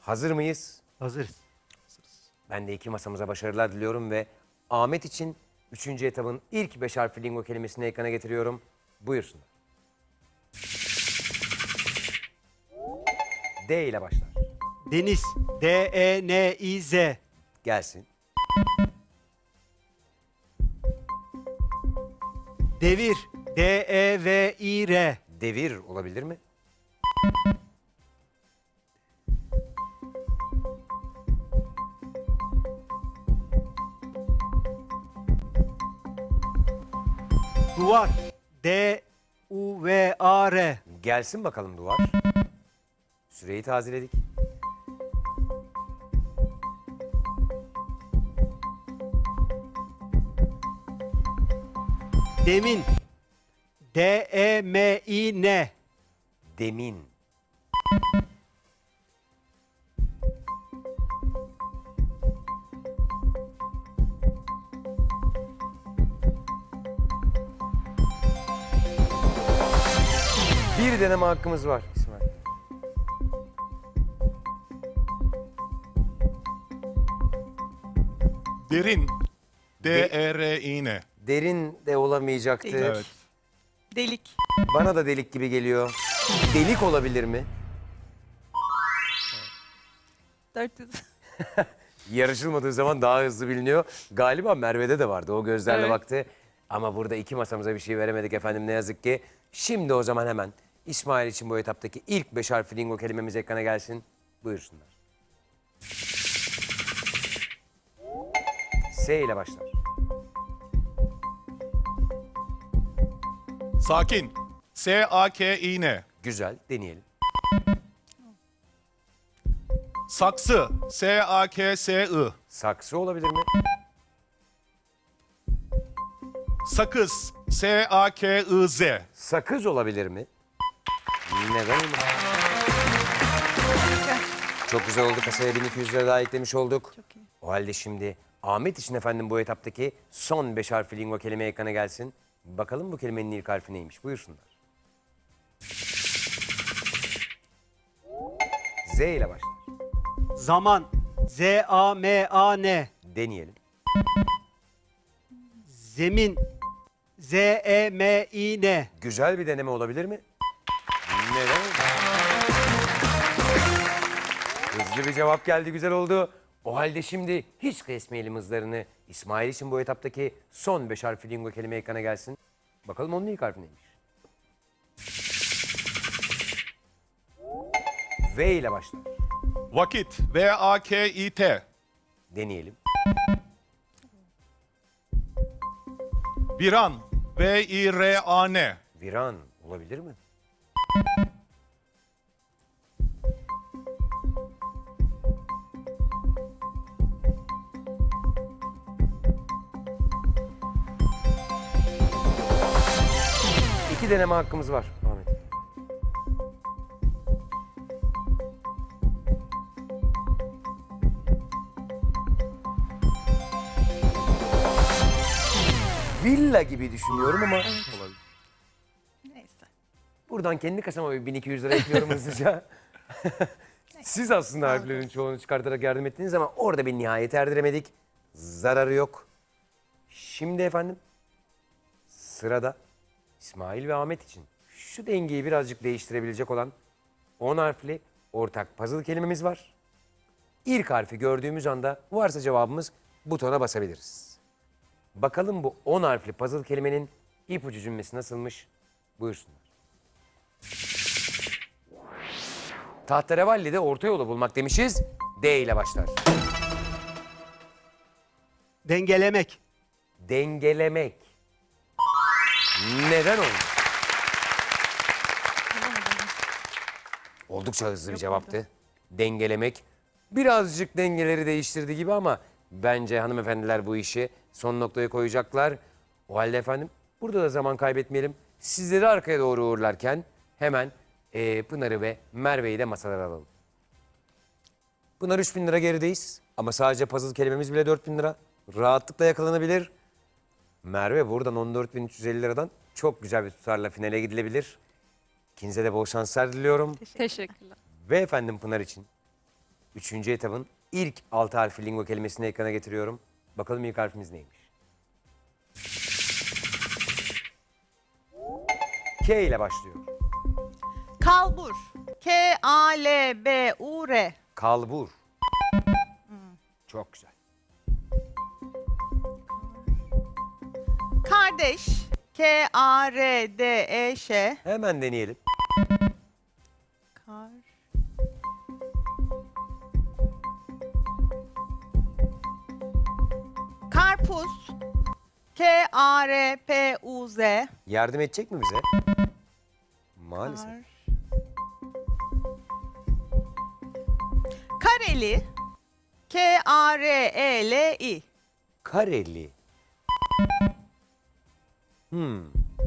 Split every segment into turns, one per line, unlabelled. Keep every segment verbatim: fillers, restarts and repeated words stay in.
Hazır mıyız?
Hazırız.
Ben de iki masamıza başarılar diliyorum ve Ahmet için üçüncü etabın ilk beş harfli lingo kelimesini ekrana getiriyorum. Buyursunlar. D ile başlar.
Deniz. D E N İ Z.
Gelsin.
Devir. D E V İ R.
Devir olabilir mi?
Duvar. D U V A R.
Gelsin bakalım duvar. Süreyi tazeledik.
Demin. D E M İ N.
Demin. Bir deneme hakkımız var İsmail.
Derin. D E R İ N.
Derin de olamayacaktı.
Evet.
Delik.
Bana da delik gibi geliyor. Delik olabilir mi?
dört yüz.
Yarışılmadığı zaman daha hızlı biliniyor. Galiba Merve'de de vardı. O gözlerle
Evet.
baktı. Ama burada iki masamıza bir şey veremedik efendim ne yazık ki. Şimdi o zaman hemen İsmail için bu etaptaki ilk beş harfli lingo kelimemiz ekrana gelsin. Buyursunlar. S ile başlar.
Sakin. S A K İ N.
Güzel, deneyelim.
Saksı. S A K S I.
Saksı olabilir mi?
Sakız. S A K I Z.
Sakız olabilir mi? Neden olmasın? Çok güzel oldu. Kasaya bin iki yüz lira daha eklemiş olduk.
Çok iyi.
O halde şimdi Ahmet için efendim bu etaptaki son beş harfli lingo kelime ekrana gelsin. Bakalım bu kelimenin ilk harfi neymiş? Buyursunlar. Z ile başlar.
Zaman. Z A M A N.
Deneyelim.
Zemin. Z E M İ N.
Güzel bir deneme olabilir mi? Neden? Hızlı bir cevap geldi, güzel oldu. O halde şimdi hiç kesmeyelim hızlarını. İsmail için bu etaptaki son beş harfli lingo kelime ekrana gelsin. Bakalım onun ilk harfi neymiş? V ile başlar.
Vakit. V A K İ T.
Deneyelim.
Viran. V İ R A N.
Viran olabilir mi? İki deneme hakkımız var Ahmet. Villa gibi düşünüyorum ama
Neyse.
buradan kendi kasama bir bin iki yüz lira ekliyorum hızlıca. Siz aslında harflerin çoğunu çıkartarak yardım ettiniz ama orada bir nihayet erdiremedik. Zararı yok. Şimdi efendim sırada İsmail ve Ahmet için şu dengeyi birazcık değiştirebilecek olan on harfli ortak puzzle kelimemiz var. İlk harfi gördüğümüz anda varsa cevabımız butona basabiliriz. Bakalım bu on harfli puzzle kelimenin ipucu cümlesi nasılmış? Buyursunlar. Tahterevalli'de orta yolu bulmak demişiz. D ile başlar.
Dengelemek.
Dengelemek. Neden oldu? Oldukça hızlı bir cevaptı. Dengelemek. Birazcık dengeleri değiştirdi gibi ama bence hanımefendiler bu işi son noktaya koyacaklar. O halde efendim burada da zaman kaybetmeyelim. Sizleri arkaya doğru uğurlarken hemen eee, Pınar'ı ve Merve'yi de masalara alalım. Pınar üç bin lira gerideyiz ama sadece puzzle kelimemiz bile dört bin lira. Rahatlıkla yakalanabilir. Merve buradan on dört bin üç yüz elli liradan çok güzel bir tutarla finale gidilebilir. İkinize de bol şanslar diliyorum.
Teşekkürler.
Ve efendim Pınar için Üçüncü etabın ilk altı harfli lingo kelimesini ekrana getiriyorum. Bakalım ilk harfimiz neymiş? K ile başlıyor.
Kalbur. K A L B U R.
Kalbur. Çok güzel.
Kardeş. K A R D E Ş.
Hemen deneyelim.
Kar. Karpuz. K A R P U Z.
Yardım edecek mi bize? Maalesef.
Kar. Kareli. K A R E L I.
Kareli. Hmm.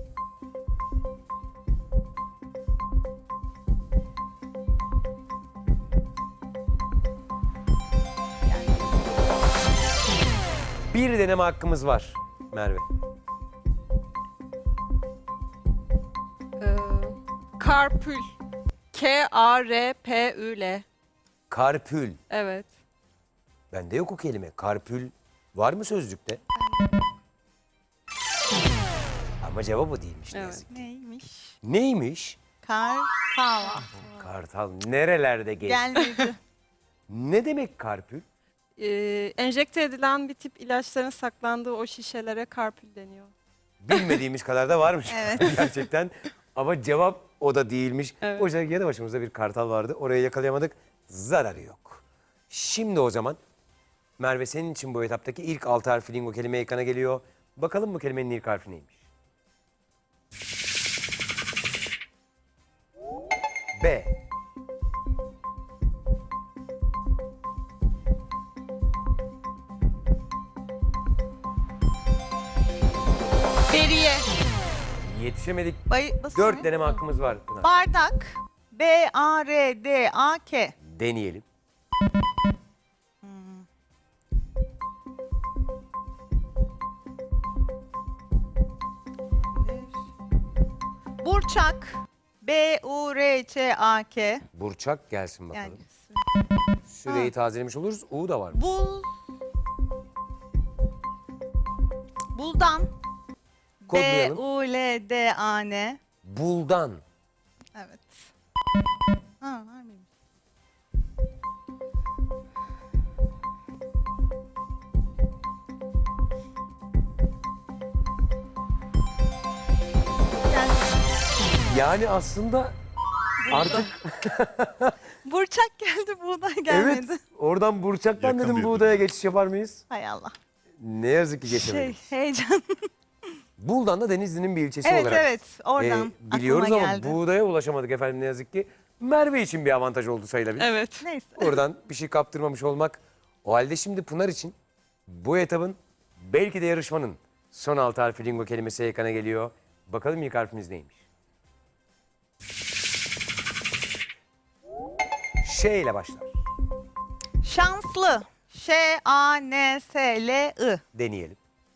Bir deneme hakkımız var Merve.
Ee, Karpül. K A R P Ü L.
Karpül.
Evet.
Bende yok o kelime. Karpül var mı sözlükte? Ama cevap o değilmiş ne
Evet.
yazık.
Neymiş?
Neymiş?
Kartal.
Kartal nerelerde geç?
Gelmedi.
Ne demek karpül?
Ee, enjekte edilen bir tip ilaçların saklandığı o şişelere karpül deniyor.
Bilmediğimiz kadar da varmış
Evet.
gerçekten. Ama cevap o da değilmiş.
Evet.
Oysa yanı başımızda bir kartal vardı. Orayı yakalayamadık. Zararı yok. Şimdi o zaman Merve senin için bu etaptaki ilk altı harfli lingo kelime ekrana geliyor. Bakalım bu kelimenin ilk harfi neymiş? B.
Beriye.
Yetişemedik.
Bay basıyor
Dört
muyum?
deneme hakkımız var Pınar.
Bardak. B A R D A K.
Deneyelim.
Burçak. B U R Ç A K.
Burçak gelsin bakalım.
Yani
Süreyi tazelemiş oluruz. U da var.
bul. Buldan. B
Kodlayalım.
U L D A N.
Buldan.
Evet. Ha, var mıymış? Yani
Yani aslında artık
Burçak geldi, buğday gelmedi.
evet oradan Burçak'tan
Yakın
dedim
birbirine.
buğdaya geçiş yapar mıyız?
Hay Allah.
Ne yazık ki
Şey,
geçemedik.
heyecan.
Buldan da Denizli'nin bir ilçesi
evet
olarak.
evet, oradan
e, biliyoruz
aklıma
ama
geldi.
buğdaya ulaşamadık efendim ne yazık ki. Merve için bir avantaj oldu sayılabilir.
Evet.
Neyse.
Oradan bir şey kaptırmamış olmak. O halde şimdi Pınar için bu etabın belki de yarışmanın son altı harfi lingo kelimesi ekrana geliyor. Bakalım ilk harfimiz neymiş? Ş ile başlar.
Şanslı. Ş A N S L I.
Deneyelim.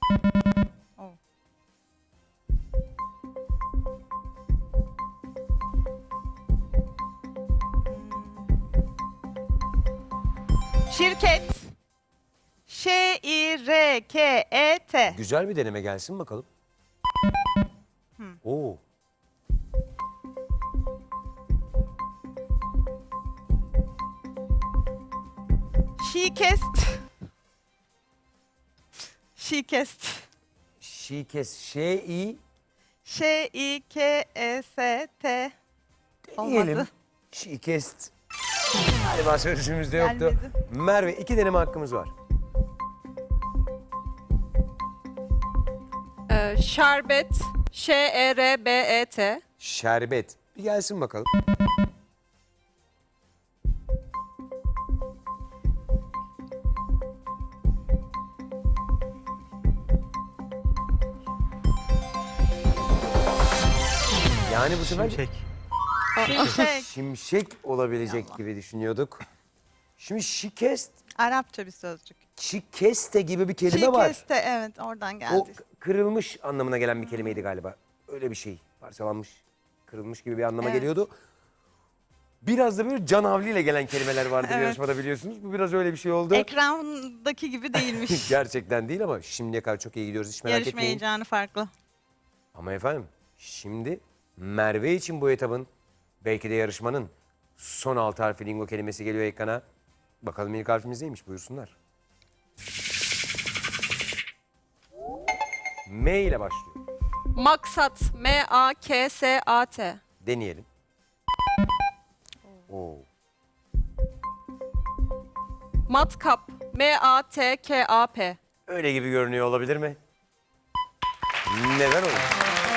Şirket. Ş I R K E T.
Güzel bir deneme gelsin bakalım. Oo.
Şikest. Şikest.
Şikes. Ş-i
Ş I K E S T.
deneyelim.
Olmadı.
Şikest. Galiba sözcüğümüzde yoktu.
Gelmedi.
Merve iki deneme hakkımız var.
Ee, şerbet. Ş E R B E T.
Şerbet. Bir gelsin bakalım. Yani bu sefer
Şimşek.
Şimşek.
şimşek olabilecek gibi düşünüyorduk. Şimdi şikest,
Arapça bir sözcük.
şikeste gibi bir kelime var.
Şikeste, evet, oradan
O
geldi.
k- kırılmış anlamına gelen bir kelimeydi galiba. Öyle bir şey. Parçalanmış, kırılmış gibi bir anlama
Evet.
geliyordu. Biraz da böyle can havliyle gelen kelimeler vardır
Evet.
yarışmada biliyorsunuz. Bu biraz öyle bir şey oldu.
Ekrandaki gibi değilmiş.
Gerçekten değil ama şimdiye kadar çok iyi gidiyoruz, hiç merak
Yarışma
etmeyin.
heyecanı farklı.
Ama efendim şimdi Merve için bu etabın, belki de yarışmanın son altı harfi lingo kelimesi geliyor ekrana. Bakalım ilk harfimiz neymiş, buyursunlar. M ile başlıyor.
Maksat. M A K S A T.
Deneyelim. Oo.
Matkap. M A T K A P.
Öyle gibi görünüyor olabilir mi? Neden olur?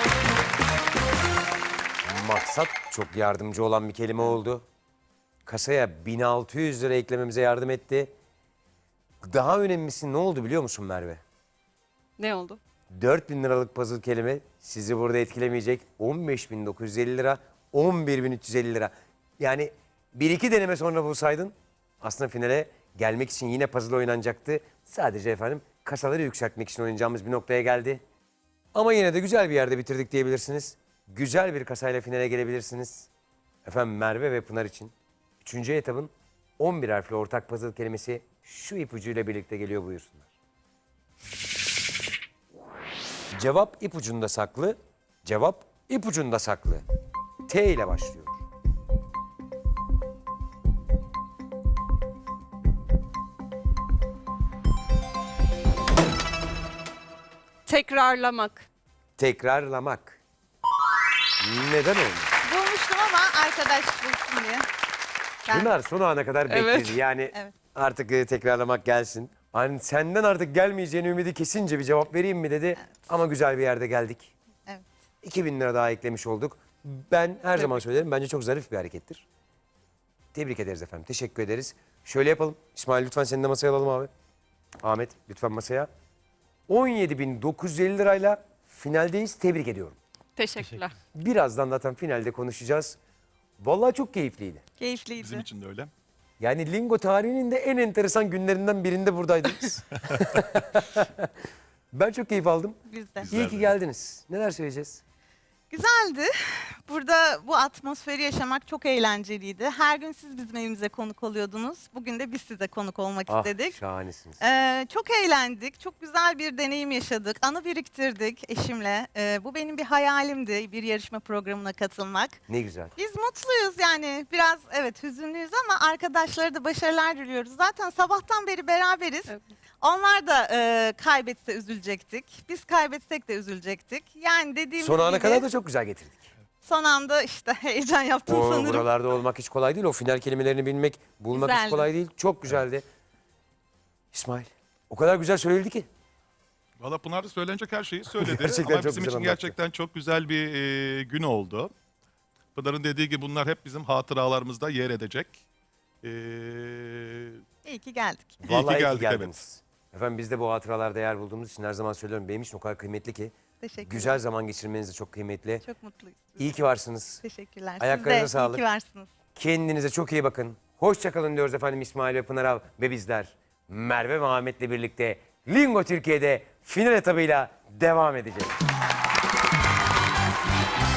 Maksat çok yardımcı olan bir kelime oldu. Kasaya bin altı yüz lira eklememize yardım etti. Daha önemlisi ne oldu biliyor musun Merve?
Ne oldu?
dört bin liralık puzzle kelime sizi burada etkilemeyecek. on beş bin dokuz yüz elli lira, on bir bin üç yüz elli lira. Yani bir iki deneme sonra bulsaydın aslında finale gelmek için yine puzzle oynanacaktı. Sadece efendim kasaları yükseltmek için oynayacağımız bir noktaya geldi. Ama yine de güzel bir yerde bitirdik diyebilirsiniz. Güzel bir kasayla finale gelebilirsiniz. Efendim Merve ve Pınar için üçüncü etabın on bir harfli ortak puzzle kelimesi şu ipucuyla birlikte geliyor, buyursunlar. Cevap ipucunda saklı, cevap ipucunda saklı. T ile başlıyor.
Tekrarlamak.
Tekrarlamak. Neden oldu?
Bulmuştum ama arkadaş bulsun diye. Ben-
Pınar son ana kadar
Evet.
bekledi. Yani
Evet.
artık e, tekrarlamak gelsin. Hani senden artık gelmeyeceğini ümidi kesince bir cevap vereyim mi dedi. Ama güzel bir yerde geldik.
Evet.
iki bin lira daha eklemiş olduk. Ben her zaman söylerim, bence çok zarif bir harekettir. Tebrik ederiz efendim. Teşekkür ederiz. Şöyle yapalım. İsmail lütfen seni de masaya alalım abi. Ahmet lütfen masaya. on yedi bin dokuz yüz elli lirayla finaldeyiz. Tebrik ediyorum.
Teşekkürler.
Birazdan zaten finalde konuşacağız. Vallahi çok keyifliydi.
Keyifliydi.
Bizim için de öyle.
Yani lingo tarihinin de en enteresan günlerinden birinde buradaydınız. Ben çok keyif aldım.
Biz de.
İyi ki geldiniz. Neler söyleyeceğiz?
Güzeldi. Burada bu atmosferi yaşamak çok eğlenceliydi. Her gün siz bizim evimize konuk oluyordunuz. Bugün de biz size konuk olmak
Ah,
istedik.
şahanesiniz.
Ee, çok eğlendik. Çok güzel bir deneyim yaşadık. Anı biriktirdik eşimle. Ee, bu benim bir hayalimdi, bir yarışma programına katılmak.
Ne güzel.
Biz mutluyuz yani. Biraz evet hüzünlüyüz ama arkadaşlara da başarılar diliyoruz. Zaten sabahtan beri beraberiz.
Evet.
Onlar da e, kaybetse üzülecektik. Biz kaybetsek de üzülecektik. Yani dediğimiz
Son ana
gibi
kadar da çok güzel getirdik.
son anda işte heyecan yaptım
O
sanırım.
buralarda olmak hiç kolay değil. O final kelimelerini bilmek, bulmak hiç
Güzeldi.
kolay değil. Çok güzeldi. İsmail, o kadar güzel söyledin ki.
Valla Pınar da söylenecek her şeyi söyledi.
Gerçekten
Ama
çok
bizim
güzel
için
anlattı.
gerçekten çok güzel bir e, gün oldu. Pınar'ın dediği gibi bunlar hep bizim hatıralarımızda yer edecek. E,
İyi ki geldik.
İyi ki
Vallahi iyi ki
geldik, evet.
geldiniz. Efendim biz de bu hatıralarda yer bulduğumuz için her zaman söylüyorum. Benim için o kadar kıymetli ki.
Teşekkürler.
Güzel zaman geçirmeniz de çok kıymetli.
Çok mutluyuz.
İyi ki varsınız.
Teşekkürler.
Ayaklarınıza
Siz de
sağlık.
iyi ki varsınız.
Kendinize çok iyi bakın. Hoşçakalın diyoruz efendim İsmail ve Pınar ve bizler. Merve ve Ahmet'le birlikte Lingo Türkiye'de final etabıyla devam edeceğiz.